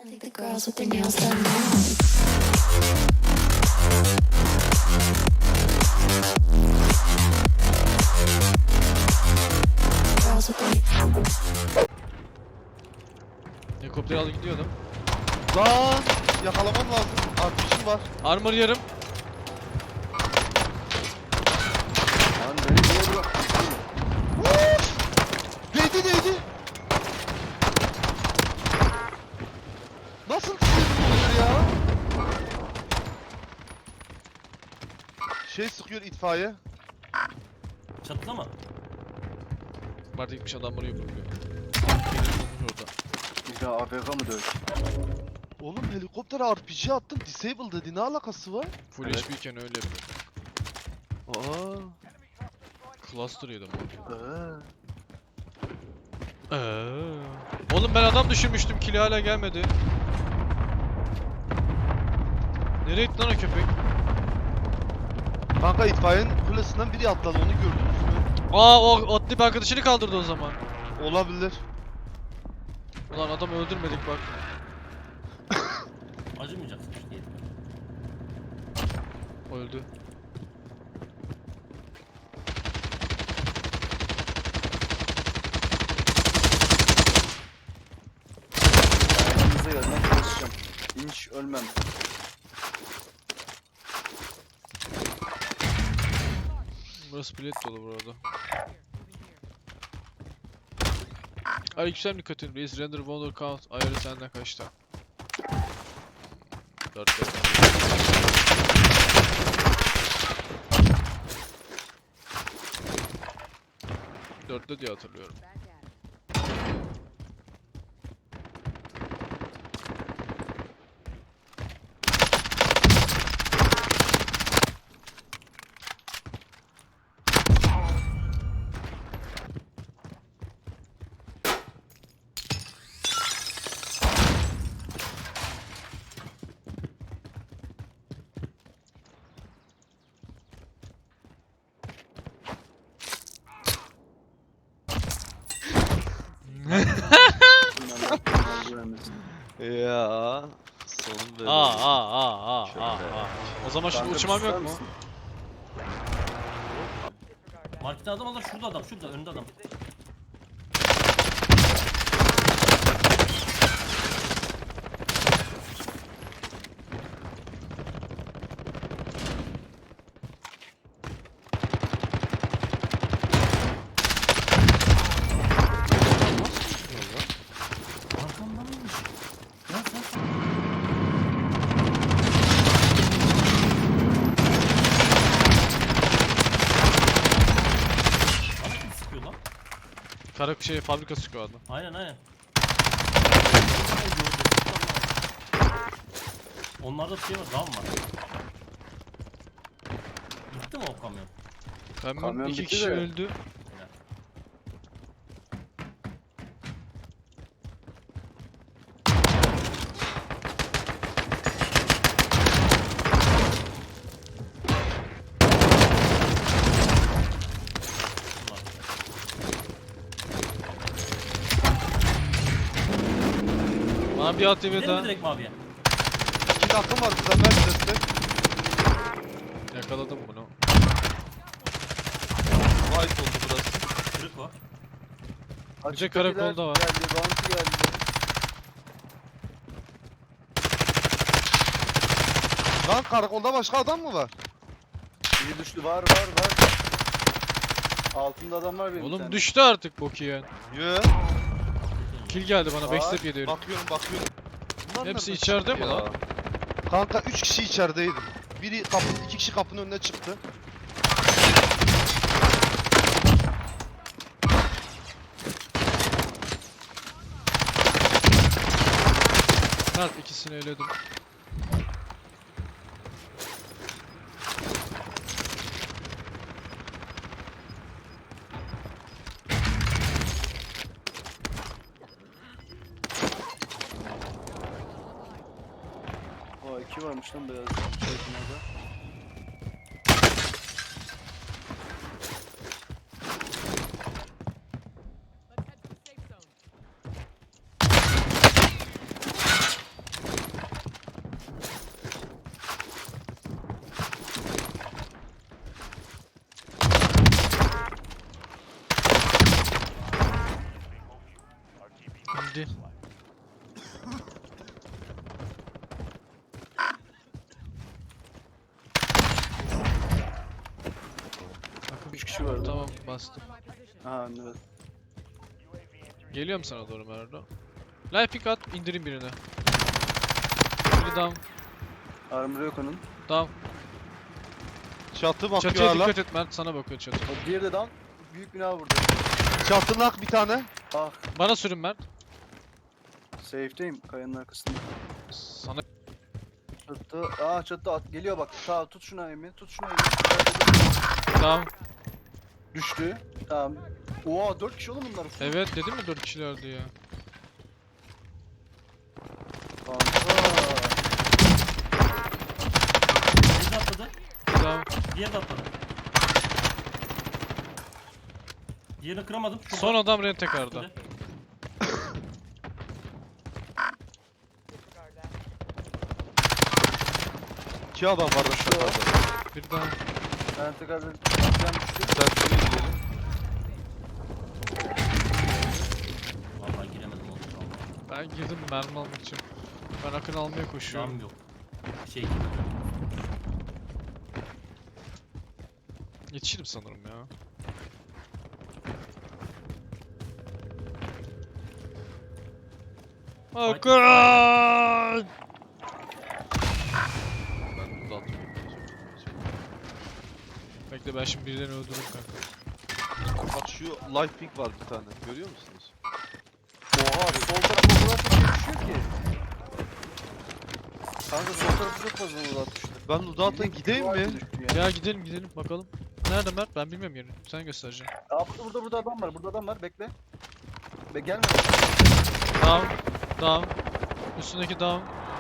The girls with their nails done now. Girls with their Helikopter aldı gidiyordum. Lan yakalamam lazım. Artışım var. Armor yarım. Lan beni niye bıraktın? Değdi. Nasıl tutuyorsun ya? Şey sıkıyor itfaiye. Çatıda mı? Var gitmiş adam buraya vuruyor. Orada. Bir daha AFK mı dövüş? Oğlum helikoptere RPG attım. Disable dedi. Ne alakası var? Full Evet. HP iken öyle yapıyor. Aa. Cluster yedim. Ee, Oğlum ben adam düşürmüştüm. Kili hala gelmedi. Nereye gitti lan o köpek? Kanka itfaiyenin kulesinden biri atladı. Onu gördünüz mü? Aa o atlayıp arkadaşını kaldırdı o zaman. Olabilir. Ulan adam öldürmedik bak. Acımayacaksın işte. Öldü. Ayağınıza gelmem çalışacağım. İnş ölmem. Burası bilet dolu burada. Aleykümselam Nikotin Reis Render Wonder Count ayarı senden kaçta? 4. Dörtte diye hatırlıyorum. Ya. Sorun böyle. Aa. O zaman şimdi Kanka uçmam ister yok mu? misin? Markette adam var, şurada adam, şurada önünde adam. Arkamdan mıymış? Ya sen. Bana kim sıkıyor lan? Karak şey fabrika sıkıyor adam. Aynen. Onlarda şey var, dam var. Gitti mi o kamyon? Kamyon 2 bitti kişi de. öldü. Bana bir ATV Gidelim mi daha. direkt maviye? 2 dakikam var. Güzel ver destek. Yakaladım bunu. White oldu burası. Kırık var. Açık karakolda kafiler var. Geldi, bounty geldi. Lan karakolda başka adam mı var? Biri düştü, var. Altında adam var benim bir Oğlum tane. düştü artık bok yiyen. Yo. Kill geldi bana Var. backstep yedi herif. Bakıyorum. Bunlar Hepsi nereden içeride çıktı mi ya? lan? Kanka 3 kişi içerideydi. Biri kapı, 2 kişi kapının önüne çıktı. Mert ikisini eledim. Aa, 2 varmış lan beyaz. Şey binada. bastım. Ha evet. Geliyorum sana doğru Merdo. Life pick at, indireyim birini. Biri down, Armor yok onun. down. Çatı bakıyor Çatıya hala. dikkat et Mert, sana bakıyor çatı. O diğeri de down. Büyük bina burada. Çatı nak bir tane. Ah, Bana sürün Mert. safe'deyim kayanın arkasında. Sana Çatı, çatı at. Geliyor bak. Sağ tut şuna Emin. Tut şuna Emin. down. Düştü. Tamam. Oha 4 kişi oğlum bunlar. Evet dedim mi 4 kişilerdi ya. Kanka. Biri de atladı. Down. Diğeri de atladı. Diğerini kıramadım. Şurada. Son adam rentekarda. Şurada. İki adam var da şurada. Bir down. Ben tekrar bir atlayan düştü. Sen şuraya gidelim. Vallahi giremedim oğlum. Ben girdim mermi almak için. Ben akın almaya koşuyorum. Cam yok. Şey Yetişirim sanırım ya. Akın! Ben bunu da atmayayım. Bekle ben şimdi birilerini öldürürüm kanka. Bak şu life pink var bir tane. Görüyor musunuz? Oha sol tarafa o kadar çok şey düşüyor ki. Kanka sol tarafı çok fazla uzat düştü. Ben Ludat'a gideyim mi? Ya gidelim gidelim bakalım. Nerede Mert? Ben bilmiyorum yerini. Sen göstereceksin. Burada adam var. Burada adam var. Bekle. Gelme. Down. Down. Üstündeki down.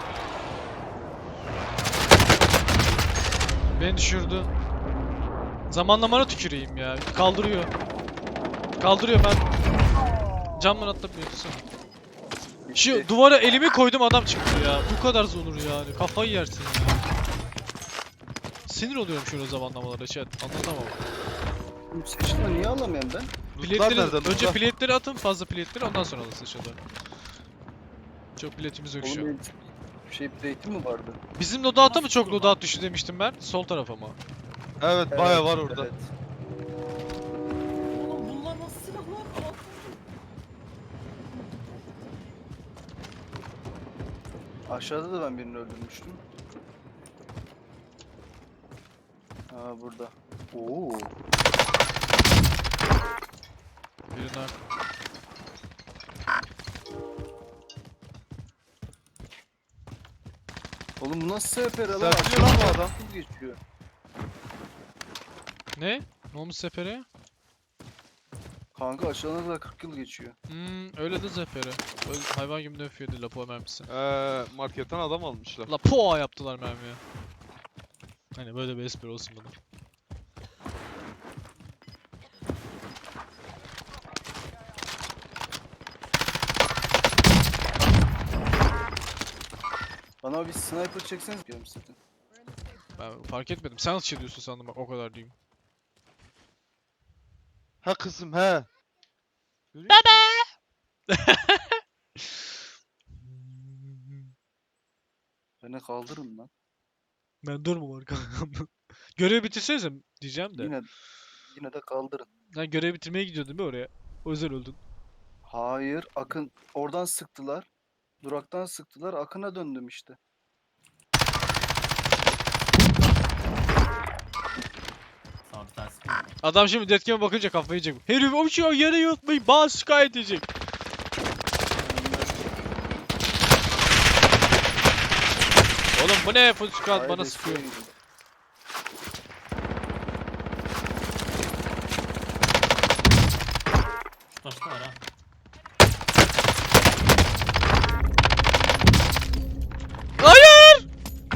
Beni düşürdü. Zamanlamana tüküreyim ya. Kaldırıyor. Kaldırıyor ben. Camdan atlamıyor sana. Şu duvara elimi koydum adam çıktı ya. Bu kadar zulur yani. Kafayı yersin ya. Sinir oluyorum şöyle zamanlamalara chat. Anlatamam. Seçtim niye alamıyorum ben? Biletleri, nereden? önce Lootlar. biletleri atın fazla biletleri ondan sonra alırsın şurada. Çok biletimiz yok şu an. Oğlum benim şey plate'im mi vardı? Bizim loadout'a mı çok loadout düştü demiştim ben? Sol tarafa mı? Evet baya var orada. Evet. Oğlum bunlar nasıl silahlar? Aşağıda da ben birini öldürmüştüm. Burada. Oo. Birine Oğlum bu nasıl sefer lan? Serpiliyor lan bu adam. Hız geçiyor. ne? Ne olmuş sefere? Kanka aşağıdan kadar 40 yıl geçiyor. Öyle de zefere. Öyle hayvan gibi döfüyordu lapo mermisi. Marketten adam almışlar. La poa yaptılar mermiye. Hani böyle bir espri olsun bana. Bana bir sniper çekseniz diyorum size. Ben fark etmedim. Sen atış ediyorsun sandım bak o kadar diyeyim. Ha kızım he. Beni kaldırın lan. Ben durmam arkamda. Görevi bitirsenize diyeceğim de. Yine de kaldırın. Ben görevi bitirmeye gidiyordum değil mi oraya? O yüzden öldün. Hayır, Akın oradan sıktılar. Duraktan sıktılar. Akın'a döndüm işte. Sağ bir tanesi mi? Adam şimdi deathcame'e bakınca kafayı yiyecek. Herif o şey yere yatmayı bana şikayet edecek. Oğlum bu ne full squad Hayır, bana desteğe sıkıyor. gidin. Şu taşta var ha. Hayır!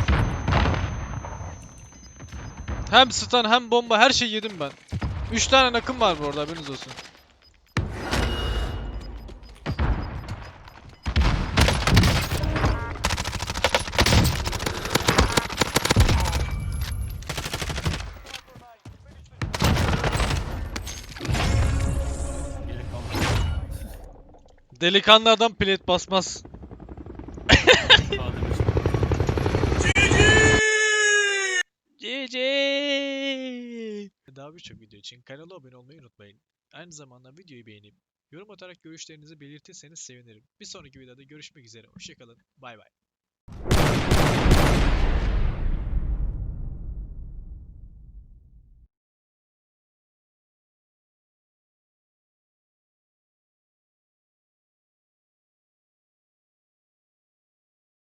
Hem stun hem bomba her şeyi yedim ben. 3 tane nakım var bu arada haberiniz olsun. Gerek kalmadı. Delikanlı adam plate basmaz. Sağ demiş. GG. daha birçok video için kanala abone olmayı unutmayın. Aynı zamanda videoyu beğenip yorum atarak görüşlerinizi belirtirseniz sevinirim. Bir sonraki videoda görüşmek üzere. Hoşçakalın. Bay bay.